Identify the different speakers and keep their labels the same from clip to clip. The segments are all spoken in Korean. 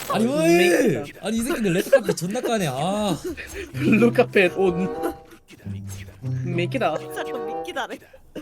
Speaker 1: 아니 왜? 아니 이 새끼들 레드카페 존나 까네. 아.
Speaker 2: 블루 카펫 온. 미키다.
Speaker 3: 잠깐 미끼다래.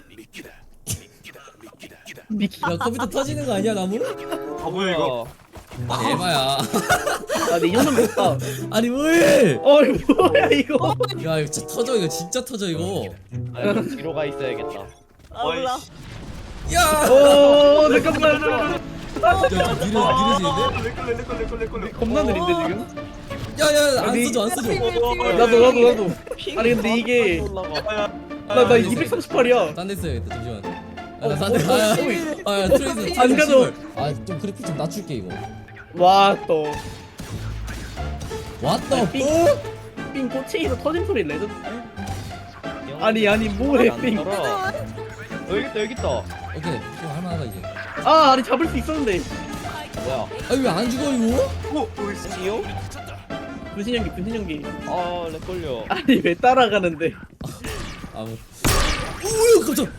Speaker 2: 미키.
Speaker 1: 야 컴퓨터 터지는 거 아니야 나무?
Speaker 4: 아 뭐야 이거?
Speaker 1: 아니 에바야.
Speaker 2: 아, 내 이거는 못다.
Speaker 1: 아니 왜?
Speaker 2: 이거 뭐야 이거?
Speaker 1: 야 이거 진짜 터져 이거 진짜 터져 이거.
Speaker 5: 아 이거 뒤로 가 있어야겠다.
Speaker 3: 아 몰라.
Speaker 1: 야.
Speaker 2: 오, 잠깐만.
Speaker 1: 야 느려지는데?
Speaker 4: 내걸내
Speaker 2: 겁나 느린데 지금?
Speaker 1: 야야 안
Speaker 2: 아니,
Speaker 1: 써줘 안 써줘.
Speaker 2: 나도. 아니 근데 이게
Speaker 5: 올라가.
Speaker 2: 나 238이야.
Speaker 1: 딴 데 써야겠다 잠시만.
Speaker 2: 어,
Speaker 1: 딴데 아야 트레이스
Speaker 2: 안 가져.
Speaker 1: 아좀 그래픽 좀 낮출게 이거.
Speaker 2: 와 또.
Speaker 1: 왔다
Speaker 2: 삥.
Speaker 1: 또?
Speaker 2: 삥 꼬챙이로 터진 소리 레전드. 아니 뭐해
Speaker 5: 안
Speaker 2: 삥.
Speaker 5: 떨어. 여기 있다.
Speaker 1: 오케이 좀 할만하다 이제.
Speaker 2: 아니 잡을 수 있었는데.
Speaker 5: 뭐야?
Speaker 1: 아니 왜 안 죽어 이거?
Speaker 5: 지요?
Speaker 2: 분신연기.
Speaker 5: 렉 걸려.
Speaker 2: 아니 왜 따라가는데?
Speaker 1: 아뭐. 우유 깜짝.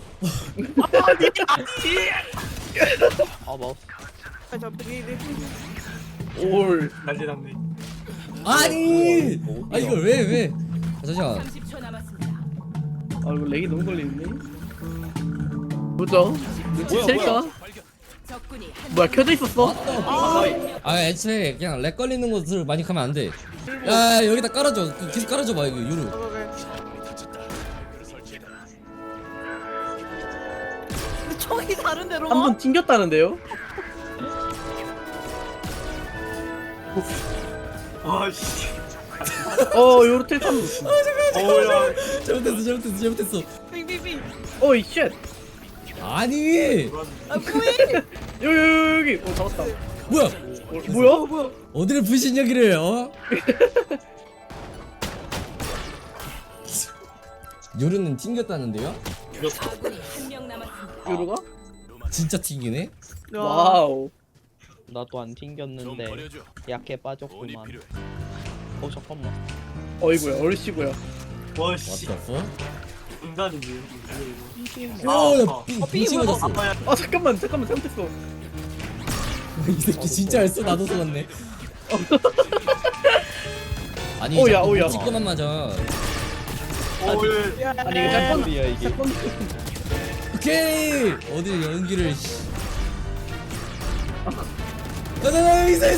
Speaker 5: 마우스.
Speaker 3: 저 비리.
Speaker 2: 올.
Speaker 4: 난리 났네.
Speaker 1: 아니. 아 이걸 왜 왜? 잠시만.
Speaker 6: 30초 남았습니다.
Speaker 2: 아 이거 렉이 너무 걸리는데. 뭐죠? 눈치챌까?
Speaker 6: 적군이 한
Speaker 2: 뭐야 켜져 있었어?
Speaker 1: 아 애초에 그냥 렉 걸리는 곳을 많이 가면 안 돼. 야 여기다 깔아줘. 계속 깔아줘 봐 이거 유루.
Speaker 3: 총이 다른 데로
Speaker 2: 한
Speaker 3: 와.
Speaker 2: 번 튕겼다는데요?
Speaker 4: 아씨.
Speaker 2: 요르텔 3.
Speaker 4: 어야.
Speaker 1: 잘못했어.
Speaker 3: 빙빙빙.
Speaker 2: 어이 쉣.
Speaker 1: 아니
Speaker 3: 아 뭐해?
Speaker 2: 여기. 잡았다.
Speaker 1: 뭐야?
Speaker 2: 뭐야?
Speaker 1: 어디를 불신여기를 어? 요루는 튕겼다는데요?
Speaker 6: 아군이 한 명 남았습니다.
Speaker 2: 요루가?
Speaker 1: 진짜 튕기네?
Speaker 2: 와우.
Speaker 5: 나도 안 튕겼는데 약해 빠졌구만. 잠깐만.
Speaker 2: 어이구야 얼씨구야.
Speaker 4: 와씨.
Speaker 1: 왔다
Speaker 4: 인간이지.
Speaker 1: 어야 빙빙 맞았어.
Speaker 4: 아빠야.
Speaker 2: 잠깐만 잘못했어.
Speaker 1: 이 새끼 진짜 알았어 나도 속았네. 아니
Speaker 2: 오야,
Speaker 1: 자꾸
Speaker 2: 오야.
Speaker 1: 찍고만 맞아.
Speaker 4: 어예.
Speaker 2: 아니 이거 짝건
Speaker 5: 소리야 이게.
Speaker 1: 오케이 어디 연기를 가자 있어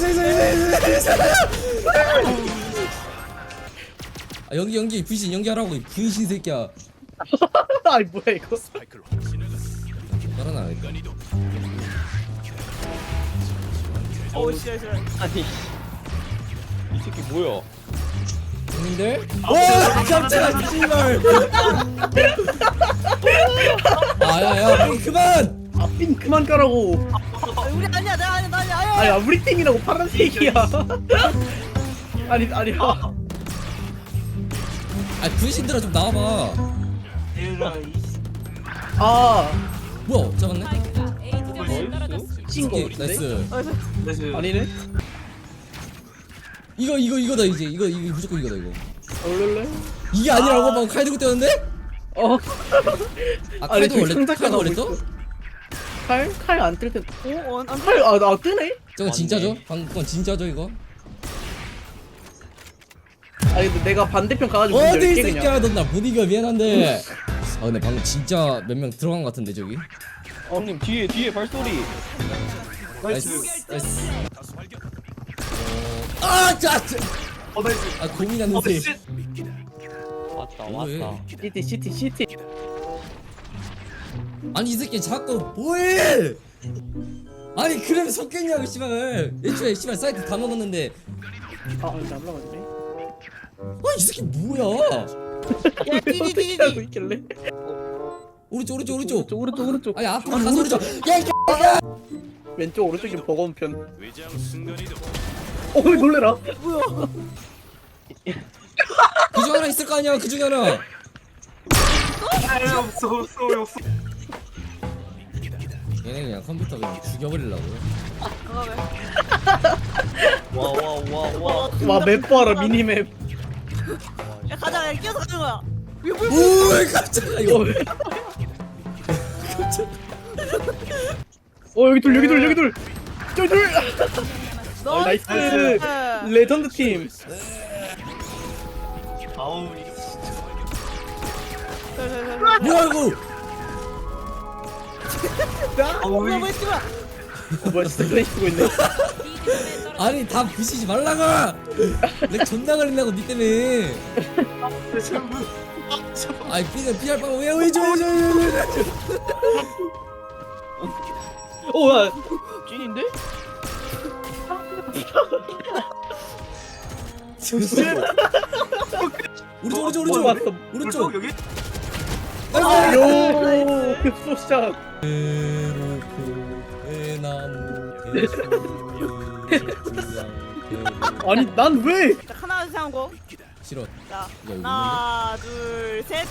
Speaker 1: 아 연기 분신 연기하라고 이 분신 새끼야.
Speaker 2: 아니 뭐야 이거?
Speaker 1: 깔아놔.
Speaker 3: 오 싫어.
Speaker 5: 아니 이 새끼 뭐야?
Speaker 1: 형님들? 와 깜짝아 씨발. 아야야 그만.
Speaker 2: 삥 그만 까라고.
Speaker 3: 우리 아니야 나 아니야.
Speaker 2: 아야 우리 팀이라고 파란색이야. 아니
Speaker 1: 아 분신들아 좀 나와봐. 뭐야 잡았네.
Speaker 6: 스파이크가 A 지점에 떨어졌습니다.
Speaker 2: 친거
Speaker 1: 오케이,
Speaker 2: 같은데?
Speaker 1: 나이스.
Speaker 2: 아니네.
Speaker 1: 이거다 이제 이거 무조건 이거다 이거.
Speaker 2: 얼른.
Speaker 1: 이게 아니라고 막 칼 들고 뛰었는데? 아
Speaker 2: 아니
Speaker 1: 칼도 원래
Speaker 2: 상자가
Speaker 1: 칼도 원래
Speaker 2: 나오고
Speaker 1: 떠?
Speaker 2: 있어. 칼 안 뜰 때.
Speaker 3: 오안
Speaker 2: 칼 뜨네?
Speaker 1: 저거 진짜죠? 방금 건 진짜죠 이거?
Speaker 2: 아니 근데 내가 반대편 가가지고
Speaker 1: 어디 이
Speaker 2: 열게 그냥.
Speaker 1: 새끼야 넌 나 못 이겨 미안한데. 아 근데 방금 진짜 몇 명 들어간 것 같은데 저기.
Speaker 5: 형님 뒤에 발소리.
Speaker 1: 나이스 나이스. 아 짜증.
Speaker 4: 나이스.
Speaker 1: 아 고민하는 새.
Speaker 4: 씨.
Speaker 5: 왔다
Speaker 1: 뭐해?
Speaker 5: 왔다.
Speaker 2: 시티.
Speaker 1: 아니 이 새끼 자꾸 뭐해? 아니 그러면 속겠냐고 씨발. 애초에 씨발 사이트 다 먹었는데.
Speaker 2: 안 올라가네.
Speaker 1: 아이 새끼 뭐야?
Speaker 3: 야 디디디디.
Speaker 2: 하고 있길래.
Speaker 1: 오른쪽.
Speaker 2: 오른쪽.
Speaker 1: 아니 앞으로 가서 오른쪽. 야
Speaker 2: 왼쪽 오른쪽이 버거운 편. 놀래라.
Speaker 3: 뭐야?
Speaker 1: 그중 하나 있을 거 아니야 그 중에 하나.
Speaker 4: 없어.
Speaker 1: 얘네 그냥 컴퓨터 그냥 죽여버리려고.
Speaker 5: 와와와와.
Speaker 2: 와 맵 봐라 미니맵.
Speaker 3: 야 가자 야 끼어서 가는 거야.
Speaker 1: 오 깜짝이야 이거.
Speaker 2: 여기 둘. 저기 둘. 나이스 레전드 팀.
Speaker 4: 아우
Speaker 1: 뭐야 이거?
Speaker 4: 아우
Speaker 3: 뭐야 뭐야 씨발.
Speaker 2: 뭐야 진짜 그래 쓰고 있네.
Speaker 6: B점에 떨어졌습니다.
Speaker 1: 아니 다 부시지 말라고. 렉 존나 걸린다고 니 때문에. 아니 B가 B할 바면 왜 줘.
Speaker 2: 오야
Speaker 5: 찐인데?
Speaker 1: 오른쪽
Speaker 2: 오른쪽 왔어.
Speaker 1: 오른쪽.
Speaker 4: 여기
Speaker 2: 요 급소샷. 아니 난 왜?
Speaker 3: 자, 하나 둘셋 하고.
Speaker 1: 싫어.
Speaker 3: 자
Speaker 1: 이거
Speaker 3: 하나 둘 셋.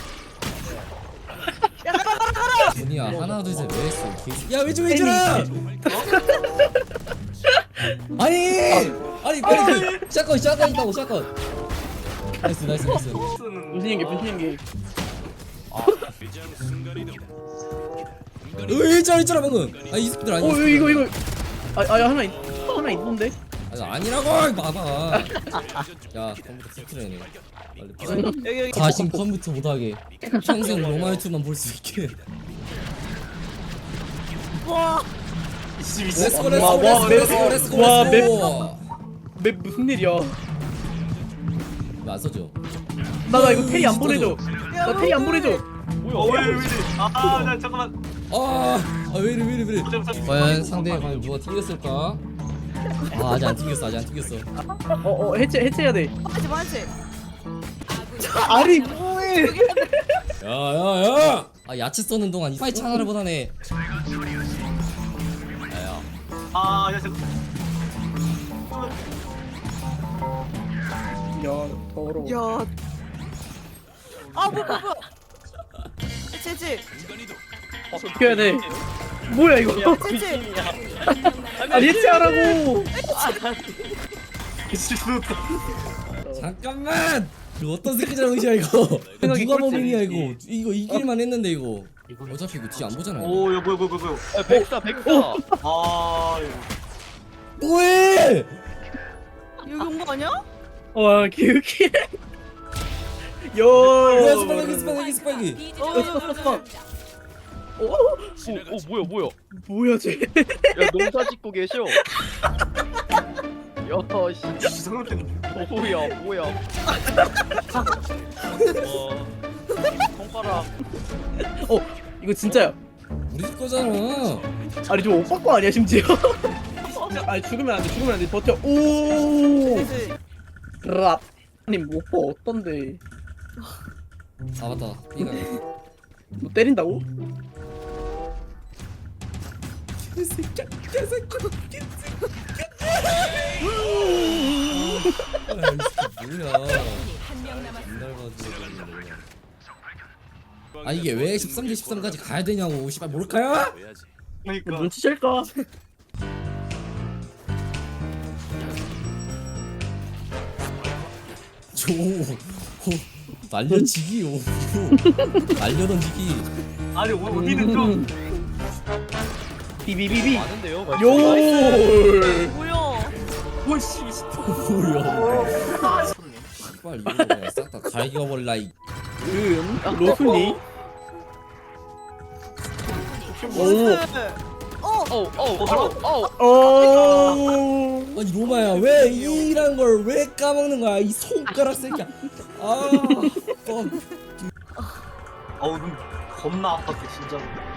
Speaker 1: 분이야 하나 둘 셋 왜 했어? 야 왼쪽 왼쪽아! 아니 빨리 그 샷건 있다고 샷건. 나이스.
Speaker 2: 분신 연기 분신 연기.
Speaker 1: 있잖아 방금. 이 새끼들 아니야.
Speaker 2: 이거 하나 있던데.
Speaker 1: 아니라고 봐봐. 야 컴퓨터 스트레네. 빨리
Speaker 3: 여기
Speaker 1: 다신 컴퓨터 못하게 평생 로마유튜브만 볼 수 있게.
Speaker 3: 와.
Speaker 1: 렛츠고
Speaker 2: 와, 맵 무슨 일이야?
Speaker 1: 안 써줘.
Speaker 2: 나 이거 테이 안 보내줘. 나 테이 안 보내줘.
Speaker 4: 왜 이래 나 잠깐만
Speaker 1: 왜 이래. 과연 상대가 과연 누가 튕겼을까? 아직 안 튕겼어.
Speaker 2: 해체해야 돼.
Speaker 3: 맞지.
Speaker 2: 아니 뭐해?
Speaker 1: 야야야! 야채 써는 동안 이 파이치 하나를 보다네.
Speaker 4: 야 잠깐
Speaker 2: 야 더러워.
Speaker 3: 야. 뭐야. 채채.
Speaker 2: 해야 돼. 뭐야 이거?
Speaker 3: 채채.
Speaker 2: 아니 해체하라고.
Speaker 1: 잠깐만! 이거 어떤 새끼잖아 의지야 이거.
Speaker 2: 생각이
Speaker 1: 누가
Speaker 2: 꼴찌.
Speaker 1: 범인이야 이거 이길만 했는데 이거. 어차피 이거 뒤 안 보잖아. 이거.
Speaker 4: 오야 뭐야
Speaker 5: 야, 백사.
Speaker 4: 아
Speaker 1: 뭐해?
Speaker 3: 여기 온 거 아니야?
Speaker 2: 와 기우키.
Speaker 1: 뭐야
Speaker 2: 요.
Speaker 1: 스파이기.
Speaker 6: B점에 떨어졌습니다.
Speaker 5: 뭐야?
Speaker 2: 뭐야 쟤?
Speaker 5: 야, 농사 짓고 계셔. 야, 씨.
Speaker 4: 이상한데
Speaker 5: 뭐야? 손가락.
Speaker 2: 이거 진짜야.
Speaker 1: 우리 집 거잖아.
Speaker 2: 아니 저 오빠 거 아니야 심지어? 아니 죽으면 안 돼. 버텨. 오.
Speaker 3: 채채.
Speaker 2: 랍. 아니 오빠 어떤데?
Speaker 1: 맞다. B가.
Speaker 2: 뭐 때린다고?
Speaker 1: 뭐야?
Speaker 6: 적군이 한명 남았습니다.
Speaker 1: 이게 왜 13대 13까지 가야 되냐고. 씨발 모를까요?
Speaker 4: 그러니까
Speaker 2: 눈치 챌까?
Speaker 1: 날려치기 날려던지기.
Speaker 4: 아니 우리는 좀
Speaker 2: 비비비비.
Speaker 5: 많은데요?
Speaker 2: 요.
Speaker 3: 뭐야?
Speaker 4: 오씨
Speaker 1: 뭐야? 씨발 이거 그냥 싹다 갈겨버릴라 이.
Speaker 2: 로순이. 오. 어.
Speaker 1: 아니 로마야 왜 이란 걸 왜 까먹는 거야 이 손가락 새끼야.
Speaker 4: 어우 눈 겁나 아팠어 진짜로